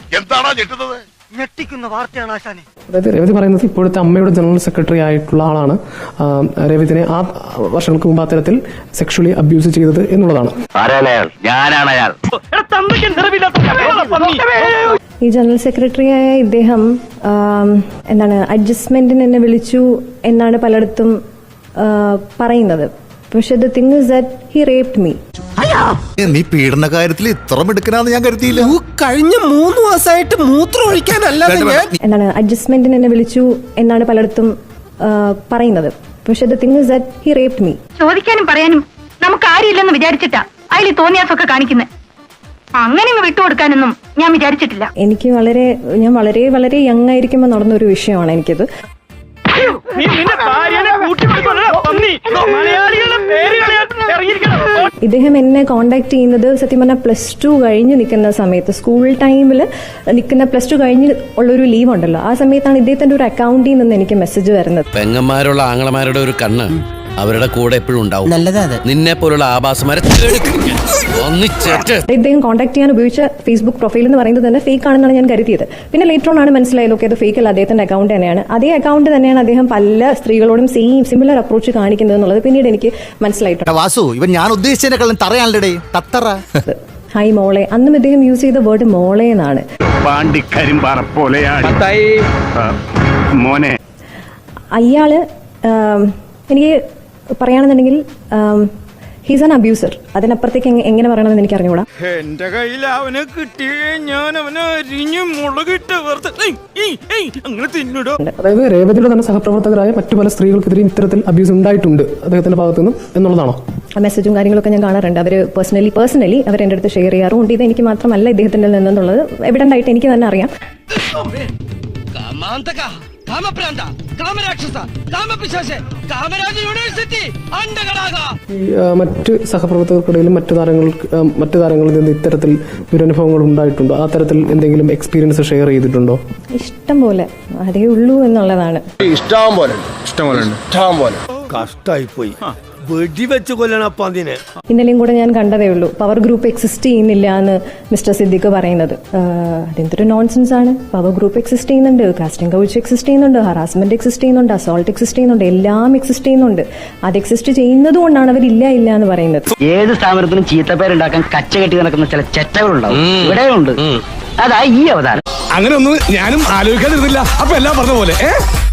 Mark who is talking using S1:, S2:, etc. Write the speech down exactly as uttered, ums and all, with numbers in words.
S1: എന്താണോ ഞെട്ടുന്നത്?
S2: ഞെട്ടിക്കുന്ന വാർത്തയാണ് ആശാനെ.
S3: അതായത് രേവതി പറയുന്നത് ഇപ്പോഴത്തെ അമ്മയുടെ ജനറൽ സെക്രട്ടറി ആയിട്ടുള്ള ആളാണ് രേവതിനെ ആ വർഷങ്ങൾക്ക് മുമ്പ് അത്തരത്തിൽ സെക്ഷലി അബ്യൂസ് ചെയ്തത് എന്നുള്ളതാണ്.
S4: ഈ ജനറൽ സെക്രട്ടറിയായ ഇദ്ദേഹം എന്താണ് അഡ്ജസ്റ്റ്മെന്റിന് എന്നെ വിളിച്ചു എന്നാണ് പലയിടത്തും പറയുന്നത്. പക്ഷെ the thing is that he raped me.
S5: നീ പീഡന കാര്യത്തിൽ ഇത്ര മിടുക്കനാന്ന് ഞാൻ കരുതിയില്ല.
S6: കഴിഞ്ഞ മൂന്ന് മാസമായിട്ട് മൂത്രം ഒഴിക്കാനല്ലാതെ
S4: എന്താണ് അഡ്ജസ്റ്റ്മെന്റിന് എന്നെ വിളിച്ചു എന്നാണ് പലയിടത്തും പറയുന്നത്. പക്ഷെ the thing is that he raped me.
S7: ചോദിക്കാനും പറയാനും നമുക്ക് ആരില്ലെന്ന് വിചാരിച്ചിട്ടാ അതിൽ തോന്നിയാസൊക്കെ കാണിക്കുന്നത്. അങ്ങനെ വിട്ടുകൊടുക്കാനൊന്നും ഞാൻ വിചാരിച്ചിട്ടില്ല.
S4: എനിക്ക് വളരെ ഞാൻ വളരെ വളരെ യങ് ആയിരിക്കുമ്പോൾ നടന്നൊരു വിഷയമാണ് എനിക്കത്. ഇദ്ദേഹം എന്നെ കോണ്ടാക്ട് ചെയ്യുന്നത് സത്യം പറഞ്ഞാൽ പ്ലസ് ടു കഴിഞ്ഞ് നിൽക്കുന്ന സമയത്ത്, സ്കൂൾ ടൈമിൽ നിൽക്കുന്ന പ്ലസ് ടു കഴിഞ്ഞ് ഉള്ളൊരു ലീവ് ഉണ്ടല്ലോ, ആ സമയത്താണ് ഇദ്ദേഹത്തിന്റെ ഒരു അക്കൗണ്ടിൽ നിന്ന് എനിക്ക് മെസ്സേജ് വരുന്നത്.
S8: പെങ്ങന്മാരുള്ള ആങ്ങളമാരുടെ ഒരു കണ്ണ് അവരുടെ കൂടെ എപ്പോഴും ഉണ്ടാവും. നിന്നെ പോലുള്ള ആഭാസമാരെ
S4: ഇദ്ദേഹം കോൺടാക്ട് ചെയ്യാൻ ഉപയോഗിച്ച ഫേസ്ബുക്ക് പ്രൊഫൈൽ എന്ന് പറയുന്നത് തന്നെ ഫേക്ക് ആണെന്നാണ് ഞാൻ കരുതിയത്. പിന്നെ ലേറ്റർ ഓൺ ആണ് മനസ്സിലായത് ഓക്കെ അത് ഫേക്ക് അല്ല, അദ്ദേഹത്തിന്റെ അക്കൗണ്ട് തന്നെയാണ്. അതേ അക്കൗണ്ട് തന്നെയാണ് അദ്ദേഹം പല സ്ത്രീകളോടും സെയിം സിമിലർ അപ്രോച്ച് കാണിക്കുന്നത് എന്നുള്ളത് പിന്നീട് എനിക്ക് മനസ്സിലായിട്ടുണ്ട്.
S5: വാസു, ഇവൻ ഞാൻ ഉദ്ദേശിച്ചതിനെക്കാളും തറയാണല്ലേ തത്തറ.
S4: ഹായ് മോളെ, അന്നും ഇദ്ദേഹം യൂസ് ചെയ്ത വേർഡ് മോളെ എന്നാണ്. അയാള് എനിക്ക് പറയുകയാണെന്നുണ്ടെങ്കിൽ ഹീസ് ആൻ അബ്യൂസർ. അതിനപ്പുറത്തേക്ക് എങ്ങനെ പറയണമെന്ന് എനിക്ക് അറിഞ്ഞൂടാ.
S6: എന്റെ കയ്യിൽ അവനെ കിട്ടിയേ ഞാൻ അവനെ അരിഞ്ഞു മുളകിട്ട് അങ്ങനെ തിന്നിടോ.
S3: അതായത് രേവതിയുടെ തന്നെ സഹപ്രവർത്തകരായ മറ്റു പല സ്ത്രീകൾക്കെതിരെ ഇത്തരത്തിൽ അബ്യൂസ് ഉണ്ടായിട്ടുണ്ട് അദ്ദേഹത്തിന്റെ ഭാഗത്തു നിന്നും എന്നുള്ളതാണോ?
S4: മെസ്സേജും കാര്യങ്ങളൊക്കെ ഞാൻ കാണാറുണ്ട്. അവർ പേഴ്സണലി പേഴ്സണലി അവർ എൻ്റെ അടുത്ത് ഷെയർ ചെയ്യാറുണ്ട്. ഇത് എനിക്ക് മാത്രമല്ല ഇദ്ദേഹത്തിന്റെ നിന്നുള്ളത് എവിഡന്റ് ആയിട്ട് എനിക്ക് തന്നെ അറിയാം.
S3: മറ്റ് സഹപ്രവർത്തകർക്കിടയിലും മറ്റു താരങ്ങൾക്ക് മറ്റു താരങ്ങളിൽ നിന്ന് ഇത്തരത്തിൽ ദുരനുഭവങ്ങൾ ഉണ്ടായിട്ടുണ്ടോ? ആ തരത്തിൽ എന്തെങ്കിലും എക്സ്പീരിയൻസ് ഷെയർ ചെയ്തിട്ടുണ്ടോ?
S4: ഇഷ്ടം പോലെ, അതേ ഉള്ളൂ എന്നുള്ളതാണ്.
S1: ഇഷ്ടം പോലെ ഇഷ്ടം പോലെ ഇഷ്ടം പോലെ
S6: കഷ്ടായി പോയി. വെടിവെച്ച് കൊല്ലണം അതിനെ.
S4: ഇന്നലെയും കൂടെ ഞാൻ കണ്ടതേ ഉള്ളൂ പവർ ഗ്രൂപ്പ് എക്സിസ്റ്റ് ചെയ്യുന്നില്ല എന്ന് മിസ്റ്റർ സിദ്ദിഖ് പറയുന്നത്. അതെന്തൊരു നോൺസെൻസ് ആണ്. പവർ ഗ്രൂപ്പ് എക്സിസ്റ്റ് ചെയ്യുന്നുണ്ട്, കാസ്റ്റിംഗ് കൗച്ച് എക്സിസ്റ്റ് ചെയ്യുന്നുണ്ട്, ഹറാസ്മെന്റ് എക്സിസ്റ്റ് ചെയ്യുന്നുണ്ട്, അസോൾട്ട് എക്സിസ്റ്റ് ചെയ്യുന്നുണ്ട്, എല്ലാം എക്സിസ്റ്റ് ചെയ്യുന്നുണ്ട്. അത് എക്സിസ്റ്റ് ചെയ്യുന്നത് കൊണ്ടാണ് അവർ ഇല്ല ഇല്ല എന്ന് പറയുന്നത്.
S2: ഏത് സ്ഥാപനത്തിനും ചീത്തപ്പേരുണ്ടാക്കാൻ കച്ച കെട്ടി നടക്കുന്ന ചില ചെറ്റകളുണ്ടാവും, ഇവിടെയുണ്ട്. അതാ ഈ അവതാരം.
S1: അങ്ങനെ ഒന്നും ഞാനും ആലോചിക്കാതിരുന്നില്ല. അപ്പൊ എല്ലാം പറഞ്ഞ പോലെ